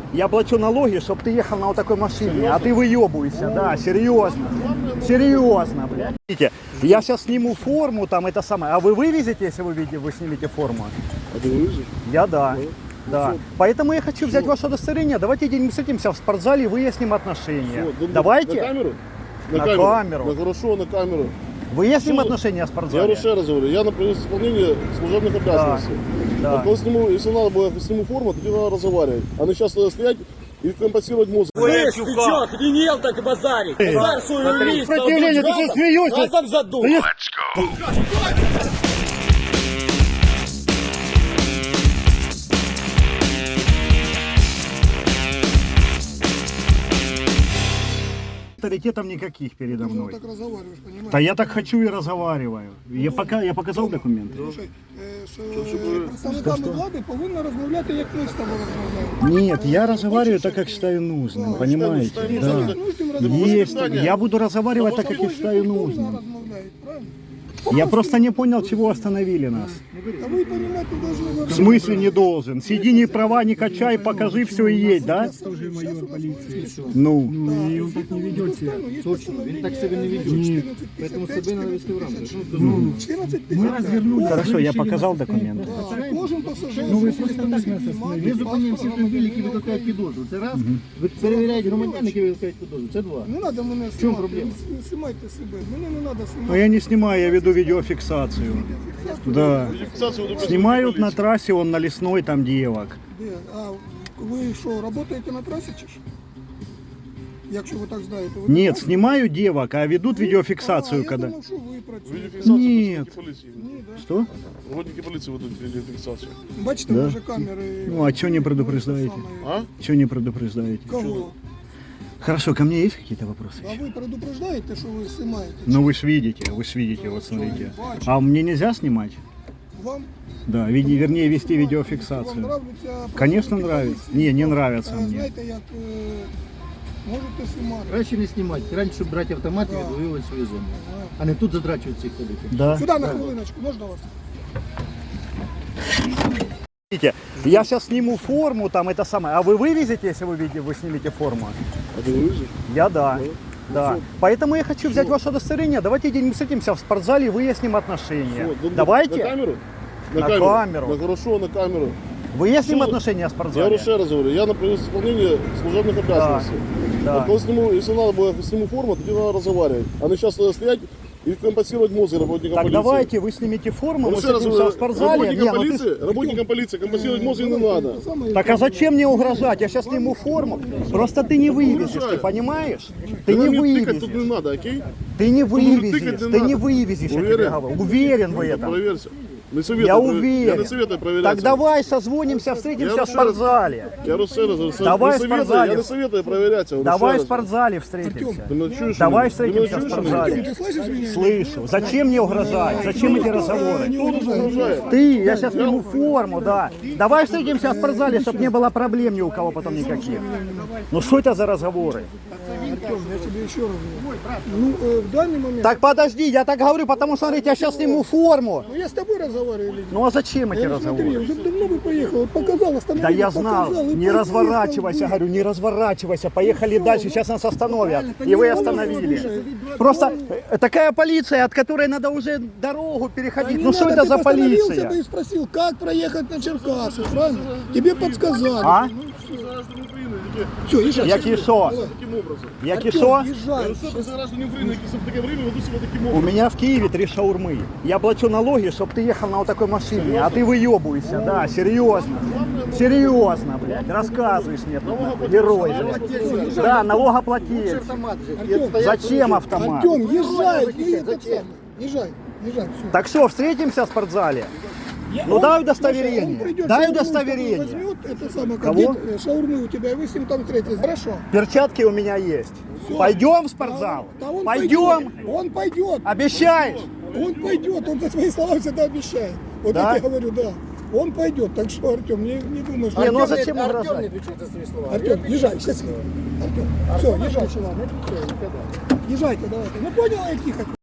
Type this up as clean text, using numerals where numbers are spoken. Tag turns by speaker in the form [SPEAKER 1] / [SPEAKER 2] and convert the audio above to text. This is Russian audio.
[SPEAKER 1] Я плачу налоги, чтобы ты ехал на вот такой машине, а ты выебываешься, да, серьезно. Серьезно, блядь. Видите, я сейчас сниму форму, там это самое. А вы вывезете, если вы снимете форму?
[SPEAKER 2] А ты вывезешь?
[SPEAKER 1] Я да. Да. Поэтому я хочу взять ваше удостоверение. Давайте мы встретимся в спортзале и выясним отношения. Давайте.
[SPEAKER 2] На камеру?
[SPEAKER 1] На камеру.
[SPEAKER 2] Ну хорошо, на камеру.
[SPEAKER 1] Выясним отношения в
[SPEAKER 2] Я
[SPEAKER 1] спортзале.
[SPEAKER 2] еще раз говорю, я на исполнение служебных обязанностей.
[SPEAKER 1] Да.
[SPEAKER 2] Вот если надо было, сниму форму, то надо разговаривать. А не сейчас стоять и компенсировать мозг.
[SPEAKER 3] Слышь, ты чё, охренел так базарить? Базар свою лист,
[SPEAKER 1] Сопротивление, ты что смеешься?
[SPEAKER 3] газом задул.
[SPEAKER 1] Авторитетов никаких передо
[SPEAKER 4] Ты
[SPEAKER 1] мной.
[SPEAKER 4] так разговариваешь, понимаешь?
[SPEAKER 1] Да я так хочу и разговариваю. Я показав документи.
[SPEAKER 4] Слушай, з представниками влади повинна розмовляти, як ми з тобою розмовляємо.
[SPEAKER 1] Нет, я разговариваю так, как считаю нужным, понимаете?
[SPEAKER 4] Ну,
[SPEAKER 1] Да. Есть. Я буду разговаривать так, как я считаю нужным.
[SPEAKER 4] Розмовляють, правильно?
[SPEAKER 1] Я просто не понял, чего остановили нас.
[SPEAKER 4] А ви, понимаете, должны...
[SPEAKER 1] В смысле не должен? Сиди, ни права не качай, покажи все и едь, да? Ну,
[SPEAKER 4] И он так не ведет себя. Точно, он так себя не ведет. Поэтому себе надо вести в рамках. Мы развернули.
[SPEAKER 1] хорошо, я показал документы.
[SPEAKER 4] Кожен пасажир.
[SPEAKER 5] Ну ви просто так нас остановили. Ви зупиняємося автомобілі, які викликають підозру. Це раз. Ви перевіряєте громадян, які викликають підозру. Це два.
[SPEAKER 4] Не треба мене
[SPEAKER 5] чому
[SPEAKER 4] знімати.
[SPEAKER 5] проблема?
[SPEAKER 4] Знімайте себе. Мене не треба
[SPEAKER 1] Но
[SPEAKER 4] знімати.
[SPEAKER 1] я не снимаю, я веду видеофиксацию. Да. Снимают на трассе, он на лесной, там девок.
[SPEAKER 4] Де? А ви що, працюєте на трасі чи що? Якщо ви так знаєте. Ви
[SPEAKER 1] Нет, снимаю девок, а ведут видеофиксацию,
[SPEAKER 4] я
[SPEAKER 1] когда...
[SPEAKER 4] думав, що ви працюєте.
[SPEAKER 2] Видеофиксацию
[SPEAKER 1] Нет.
[SPEAKER 2] работники полиции.
[SPEAKER 4] Ні, да?
[SPEAKER 1] Что?
[SPEAKER 2] Работники полиции ведут видеофиксацию.
[SPEAKER 4] Бачите,
[SPEAKER 1] Да.
[SPEAKER 4] вже камери.
[SPEAKER 1] Ну, а чё не предупреждаете?
[SPEAKER 2] А?
[SPEAKER 1] Чего не предупреждаете?
[SPEAKER 4] Кого?
[SPEAKER 1] Хорошо, ко мне есть какие-то вопросы?
[SPEAKER 4] А ви предупреждаєте, що ви знімаєте?
[SPEAKER 1] Ну вы ж видите, вот смотрите. А мне нельзя снимать?
[SPEAKER 4] Вам?
[SPEAKER 1] Да, вернее вести
[SPEAKER 4] Вам
[SPEAKER 1] видеофиксацию.
[SPEAKER 4] нравиться?
[SPEAKER 1] Конечно нравится. Не нравится мне.
[SPEAKER 4] Знаєте, як можете знімати.
[SPEAKER 5] Краще не знімати. Краще, щоб брати автомат і відвоювати свою зону. А не тут задрачувати цих ходити.
[SPEAKER 1] Да.
[SPEAKER 4] Сюди на хвилиночку, можна вас?
[SPEAKER 1] Видите, я сейчас сниму форму, там это самое. А вы вывезете, если вы снимете форму?
[SPEAKER 2] А ты вывезешь?
[SPEAKER 1] Я да. Да. Поэтому я хочу взять ваше удостоверение. Давайте мы встретимся в спортзале и выясним отношения.
[SPEAKER 2] На
[SPEAKER 1] Давайте.
[SPEAKER 2] камеру?
[SPEAKER 1] На камеру.
[SPEAKER 2] Ну хорошо, на камеру.
[SPEAKER 1] Выясним отношения в
[SPEAKER 2] Я
[SPEAKER 1] спортзале.
[SPEAKER 2] еще раз говорю, я на исполнение служебных обязанностей.
[SPEAKER 1] Да.
[SPEAKER 2] Вот если надо было, сниму форму, то надо разговаривать. А не сейчас стоять и компенсировать мозг работникам
[SPEAKER 1] Так
[SPEAKER 2] полиции.
[SPEAKER 1] давайте вы снимете форму, мы
[SPEAKER 2] Еще раз
[SPEAKER 1] встретимся
[SPEAKER 2] говорю,
[SPEAKER 1] в спортзале. Не, ну ты
[SPEAKER 2] работникам полиции компенсировать мозг не надо.
[SPEAKER 1] Так а зачем мне угрожать? Я сейчас сниму форму. Просто ты не вывезешь, ты понимаешь? Ты не
[SPEAKER 2] Мне тыкать тут не
[SPEAKER 1] вывезешь.
[SPEAKER 2] надо, окей?
[SPEAKER 1] Ты не
[SPEAKER 2] тыкать
[SPEAKER 1] вывезешь.
[SPEAKER 2] не
[SPEAKER 1] Ты не
[SPEAKER 2] надо.
[SPEAKER 1] вывезешь, я тебе
[SPEAKER 2] Уверен?
[SPEAKER 1] говорю. Уверен в этом.
[SPEAKER 2] Проверься. Не советую,
[SPEAKER 1] Я
[SPEAKER 2] Я
[SPEAKER 1] уверен.
[SPEAKER 2] не советую проверять.
[SPEAKER 1] Так давай созвонимся, встретимся в спортзале.
[SPEAKER 2] Я говорю,
[SPEAKER 1] Давай в
[SPEAKER 2] не советую,
[SPEAKER 1] спортзале.
[SPEAKER 2] я не советую проверять. Я говорю,
[SPEAKER 1] Давай в
[SPEAKER 2] еще раз.
[SPEAKER 1] спортзале встретимся.
[SPEAKER 2] Ты меня чуешь,
[SPEAKER 1] Давай
[SPEAKER 2] что ли? Ты
[SPEAKER 1] встретимся в
[SPEAKER 2] меня чуешь, что ли?
[SPEAKER 1] спортзале.
[SPEAKER 4] Ты слышишь меня?
[SPEAKER 1] Слышу. Зачем мне угрожать? Зачем эти разговоры?
[SPEAKER 2] Кто тут угрожает?
[SPEAKER 1] Ты, я сейчас сниму форму, да. Давай встретимся в спортзале, чтобы не было проблем ни у кого потом никаких. Ну что это за разговоры?
[SPEAKER 4] Артем, я тебе еще раз говорю. Ну, в данный момент...
[SPEAKER 1] Так подожди, я так говорю, потому что, смотрите, я сейчас сниму форму.
[SPEAKER 4] Ну, я с тобой разговариваю или нет?
[SPEAKER 1] Ну а зачем эти
[SPEAKER 4] Я смотри,
[SPEAKER 1] разговоры?
[SPEAKER 4] уже давно бы поехал. Вот показал, остановил,
[SPEAKER 1] Да я знал,
[SPEAKER 4] показал, и
[SPEAKER 1] не
[SPEAKER 4] поехал,
[SPEAKER 1] разворачивайся,
[SPEAKER 4] блин.
[SPEAKER 1] говорю, не разворачивайся, поехали дальше, сейчас нас остановят. И вы остановили.
[SPEAKER 4] Слушай,
[SPEAKER 1] Просто такая полиция, от которой надо уже дорогу
[SPEAKER 4] А
[SPEAKER 1] переходить.
[SPEAKER 4] не
[SPEAKER 1] Ну что
[SPEAKER 4] надо,
[SPEAKER 1] это
[SPEAKER 4] ты
[SPEAKER 1] за
[SPEAKER 4] остановился бы
[SPEAKER 1] полиция?
[SPEAKER 4] и спросил, как проехать на Черкасы, правильно? Тебе подсказали.
[SPEAKER 1] А?
[SPEAKER 4] Все, езжай.
[SPEAKER 1] Які що?
[SPEAKER 2] Таким образом.
[SPEAKER 1] Які
[SPEAKER 4] Артем,
[SPEAKER 1] що?
[SPEAKER 4] езжай.
[SPEAKER 2] Что за граждане Украины, які в таке время ведут себя таким
[SPEAKER 1] У
[SPEAKER 2] образом?
[SPEAKER 1] меня в Киеве 3 шаурмы. Я плачу налоги, чтобы ты ехал на вот такой машине, а ты выебываешься, да, серьезно. Серьезно, блядь, рассказываешь мне, тут, герой, блядь. Да, налогоплательщик. Зачем автомат?
[SPEAKER 4] Артем, езжай. Езжай, езжай. Все.
[SPEAKER 1] Так что, встретимся в спортзале? Ну дай удостоверение. Дай удостоверение.
[SPEAKER 4] Возьмет это самое,
[SPEAKER 1] Кого?
[SPEAKER 4] как дед, шаурмы у тебя, и вы с ним там встретитесь. Хорошо.
[SPEAKER 1] Перчатки у меня есть. Пойдем в спортзал?
[SPEAKER 4] Да он
[SPEAKER 1] Пойдем?
[SPEAKER 4] пойдет. Он пойдет.
[SPEAKER 1] Обещаешь?
[SPEAKER 4] Он пойдет. Он за свои слова всегда обещает. Вот
[SPEAKER 1] Да?
[SPEAKER 4] я тебе говорю, да. Он пойдет. Так что, Артем, не думай, что...
[SPEAKER 1] Не, ну а зачем угрожать?
[SPEAKER 4] Артем, езжай, счастливо. Артем, все, езжай. Езжайте, давайте. Ну понял, я тихо.